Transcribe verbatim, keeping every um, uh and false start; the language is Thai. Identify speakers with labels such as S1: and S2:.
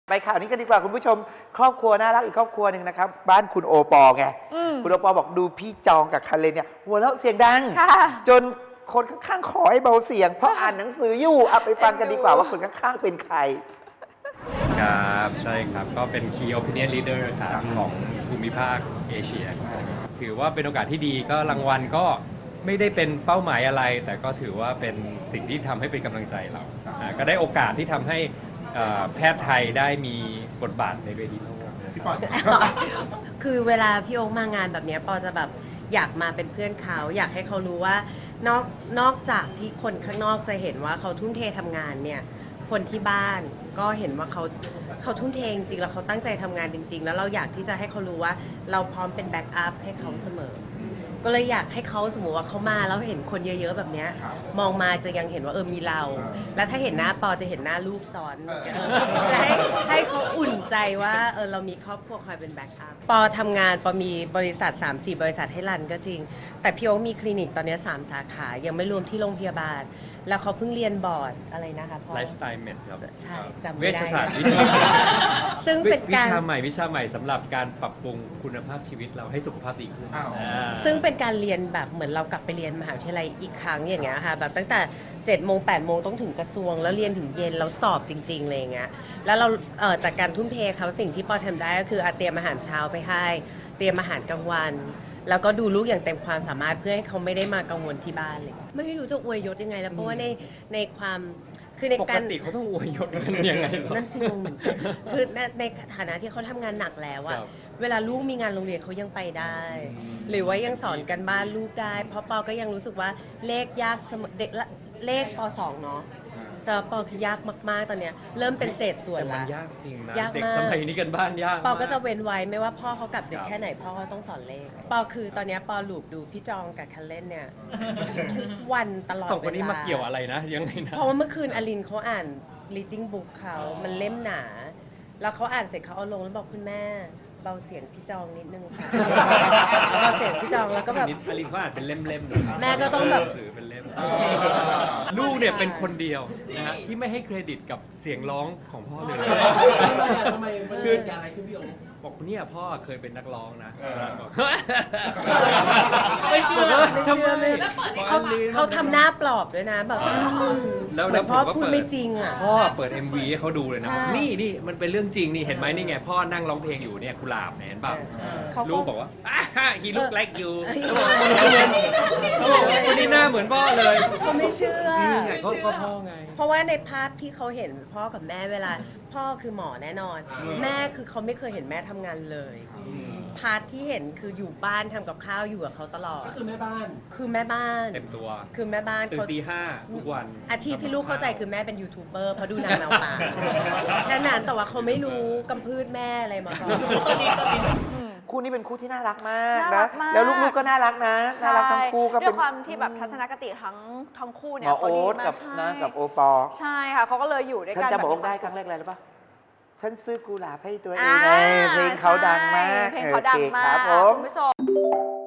S1: ไปข่าวนี้กันดีกว่าคุณผู้ชมครอบครัวน่ารักอีกครอบครัวหนึ่งนะครับบ้านคุณโอปอไงคุณโอปอบอกดูพี่จองกับคันเลนเนี่ยหัวเราะเสียงดังจนคนข้างๆขอให้เบาเสียงเพราะอ่านหนังสืออยู่เอาไปฟังกันดีกว่าว่าคนข้างๆเป็นใคร
S2: ครับใช่ครับก็เป็น Key Opinion Leader ครับของภูมิภาคเอเชียถือว่าเป็นโอกาสที่ดีก็รางวัลก็ไม่ได้เป็นเป้าหมายอะไร แต่ก็ถือว่าเป็นสิ่งที่ทำให้เป็นกำลังใจเราก็ได้โอกาสที่ทำให้แพทย์ไทยได้มีบทบาทในเวทีโลก
S3: คือเวลาพี่โอ๊คมางานแบบนี้ปอจะแบบอยากมาเป็นเพื่อนเขาอยากให้เขารู้ว่านอกนอกจากที่คนข้างนอกจะเห็นว่าเขาทุ่มเททำงานเนี่ยคนที่บ้านก็เห็นว่าเขาเขาทุ่มเทจริงๆแล้วเขาตั้งใจทำงานจริงๆแล้วเราอยากที่จะให้เขารู้ว่าเราพร้อมเป็นแบ็กอัพให้เขาเสมอก็เลยอยากให้เขาสมมติว่าเขามาแล้วเห็นคนเยอะๆแบบนี้มองมาจะยังเห็นว่าเออมีเราแล้วถ้าเห็นหน้าปอจะเห็นหน้าลูกซ้อนจะให้ให้เขาอุ่นใจว่าเออเรามีครอบครัวคอยเป็นแบ็กอัพปอทำงานปอมีบริษัท สามสี่ บริษัทให้รันก็จริงแต่พี่โอ๊คมีคลินิกตอนนี้สามสาขายังไม่รวมที่โรงพยาบาลแล้วเขาเพิ่งเรียนบอร์ดอะไรนะคะพ่อ
S2: ไลฟ์สไตล์เมดครับ
S3: ใช่จำ
S2: เวช
S3: ไม่ได้
S2: ศาสตร์วิทยา
S3: ซึ่งเป็นการ
S2: วิชาใหม่วิชาใหม่สำหรับการปรับปรุงคุณภาพชีวิตเราให้สุขภาพดีขึ้น
S3: ซึ่งเป็นการเรียนแบบเหมือนเรากลับไปเรียนมหาวิทยาลัยอีกครั้งอย่างเงี้ยค่ะแบบตั้งแต่เจ็ดโมงแปดโมงต้องถึงกระทรวงแล้วเรียนถึงเย็นแล้วสอบจริงๆเลยอย่างเงี้ยแล้วเราเอ่อจากการทุ่มเทเขาสิ่งที่ปอทำได้ก็คือเตรียมอาหารเช้าไปให้เตรียมอาหารกลางวันแล้วก็ดูลูกอย่างเต็มความสามารถเพื่อให้เขาไม่ได้มากังวลที่บ้านเลยไม่รู้จะอวยยศยังไงแล้วเพราะว่าในในความคือในการ
S2: ปกติเขาต้องอวยยศกันยังไง
S3: นั่นสิงงเหมือนกันคือในในฐานะที่เขาทำงานหนักแล้วอะเวลาลูกมีงานโรงเรียนเขายังไปได้ หรือว่ายังสอนกันบ้านลูกได้เพราะปอก็ยังรู้สึกว่าเลขยากเด็กเลขปสองเนาะสำหรับปอคือยากมากๆตอนเนี้ยเริ่มเป็นเศษส่วนละ
S2: ยากจริงนะ
S3: ยาก
S2: เด็ก
S3: มาก
S2: สมัยนี้กันบ้านยาก
S3: ปอก็จะเว้นไว้ไม่ว่าพ่อเขากลับดึกแค่ไหนพ่อก็ต้องสอนเลขปอคือตอนนี้ปอหลูบดูพี่จองกับคันเล่นเนี่ยทุกวันตลอดเวลา
S2: สองคนนี้มาเกี่ยวอะไรนะยังไงนะ
S3: เพราะว่าเมื่อคืนอลินเขาอ่าน reading book เขามันเล่มหนาแล้วเขาอ่านเสร็จเขาเอาลงแล้วบอกคุณแม่เบาเสียงพี่จองนิดนึงค่ะเบาเสียงพี่จองแล้วก็แบบ
S2: อลินเขาอ่านเป็นเล่มๆ
S3: แม่ก็ต้องแบบ
S2: ถือเป็นเล่มลูกเนี่ยเป็นคนเดียวนะฮะที่ไม่ให้เครดิตกับเสียงร้องของพ่อเลย
S4: ทำไมมันเกิดอะไรขึ้นพี่โอ๊ค
S2: บอกเนี่ยพ่อเคยเป็นนักร้องนะ
S3: ไม่เชื่อไม่เชื่อเลยเขาเขาทำหน้าปลอบด้วยนะแบบ
S2: แล้ว
S3: พ่อพูดไม่จริงอ่ะ
S2: พ่อเปิด เอ็ม วี ให้เขาดูเลยนะนี่นี่มันเป็นเรื่องจริงนี่เห็นไหมนี่ไงพ่อนั่งร้องเพลงอยู่เนี่ยกุหลาบเห็นเปล่าลูกบอกว่า he look like you เขาบอกว่าคนนี้หน้าเหมือนพ่อเลย
S3: เขาไม่เชื่อ
S2: นี่ไงก็พ่อไง
S3: เพราะว่าในภาพที่เขาเห็นพ่อกับแม่เวลาพ่อคือหมอแน่นอนแม่คือเขาไม่เคยเห็นแม่ทำงานเลยพาร์ทที่เห็นคืออยู่บ้านทำกับข้าวอยู่กับเขาตลอด
S4: ก็คือแม่บ้าน
S3: คือแม่บ้าน
S2: เต็มตัว
S3: คือแม่บ้าน
S2: ตื่นตีห้าทุกวัน
S3: อาชีพที่ลูกเข้าใจคือแม่เป็นยูทูบเบอร์เพราะดูนางแมวป่าแค่นั้นแต่ว่าเขาไม่รู้กำพืชแม่อะไรมาก่อน
S1: คู่นี้เป็นคู่ที่น่ารักมากนะแล้วลูกๆก็น่ารักนะน่ารักทั้งคู่ก็
S5: เป็นความที่แบบทัศนคติทั้งทั้งคู่เนี่ย
S1: โอ๊ตกับนะกับโอปอ
S5: ใช่ค่ะเขาก็เลยอยู่ด้วยกัน
S1: ฉันจะบอกได้ครั้งแรกอะไรหรือเปล่าฉันซื้อกุหลาบให้ตัวเองเพลงเขาดังมาก
S5: เพลงเขาดังมากคุณผู้ชม